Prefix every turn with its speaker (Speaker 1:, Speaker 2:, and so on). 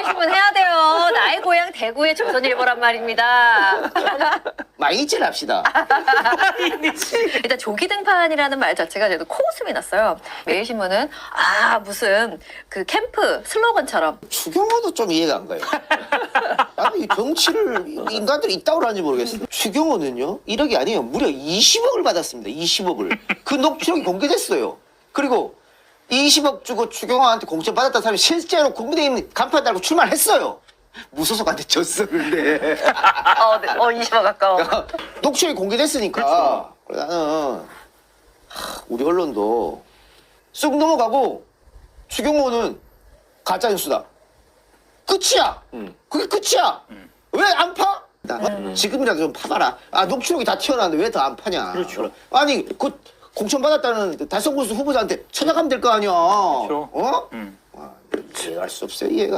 Speaker 1: 말씀은 해야 돼요. 나의 고향 대구의 조선일보란 말입니다.
Speaker 2: 마이니치를 합시다.
Speaker 1: 일단 조기 등판이라는 말 자체가 저도 코웃음이 났어요. 매일신문은 무슨 그 캠프 슬로건처럼
Speaker 2: 추경호도 좀 이해가 안 가요. 아니, 이 정치를 인간들이 있다고 하는지 모르겠어요. 추경호는요, 1억이 아니에요. 무려 20억을 받았습니다. 20억을. 그 녹취록이 공개됐어요. 그리고 20억 주고 추경호한테 공천 받았다는 사람이 실제로 국민의힘 간판 달고 출마했어요. 무소속한테 졌어, 근데.
Speaker 1: 20억 가까워.
Speaker 2: 녹취록이 공개됐으니까. 그래서 나는 우리 언론도 쑥 넘어가고 추경호는 가짜뉴스다. 끝이야. 그게 끝이야. 왜 안 파? 지금이라도 좀 파봐라. 녹취록이 다 튀어나왔는데 왜 더 안 파냐.
Speaker 3: 그렇죠.
Speaker 2: 아니 그 공천 받았다는 달성 군수 후보자한테 찾아가면 될 거 아니야.
Speaker 3: 그렇죠.
Speaker 2: 어? 이해할 수 없어요, 이해가.